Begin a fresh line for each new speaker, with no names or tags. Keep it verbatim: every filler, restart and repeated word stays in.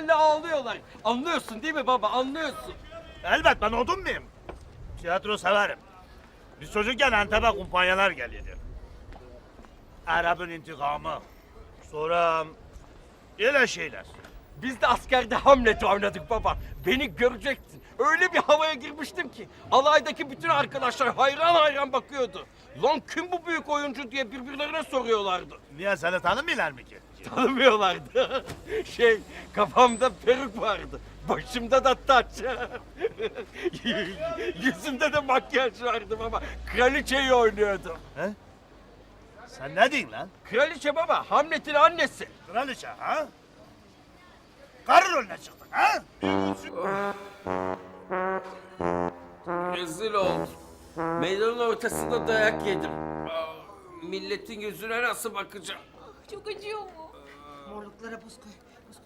telli ağlıyorlar. Anlıyorsun değil mi baba, anlıyorsun.
Elbet ben odun muyum? Tiyatro severim. Biz çocukken Antep'e kumpanyalar geliyordu. Arap'ın intikamı. Sonra öyle şeyler.
Biz de askerde Hamlet'i oynadık baba. Beni görecektin. Öyle bir havaya girmiştim ki alaydaki bütün arkadaşlar hayran hayran bakıyordu. Lan kim bu büyük oyuncu diye birbirlerine soruyorlardı.
Niye seni tanımıyorlar mı ki?
Tanımıyorlardı. Şey, kafamda peruk vardı. Başımda da taç. Yüzümde de makyaj vardı baba. Kraliçeyi oynuyordum.
He? Sen ne diyorsun lan?
Kraliçe baba, Hamlet'in annesi.
Kraliçe ha? Karı rolüne çıktın ha?
Rezil oldum. Meydanın ortasında dayak yedim. Milletin yüzüne nasıl bakacağım?
Çok acıyor mu?
Morluklara buz koy.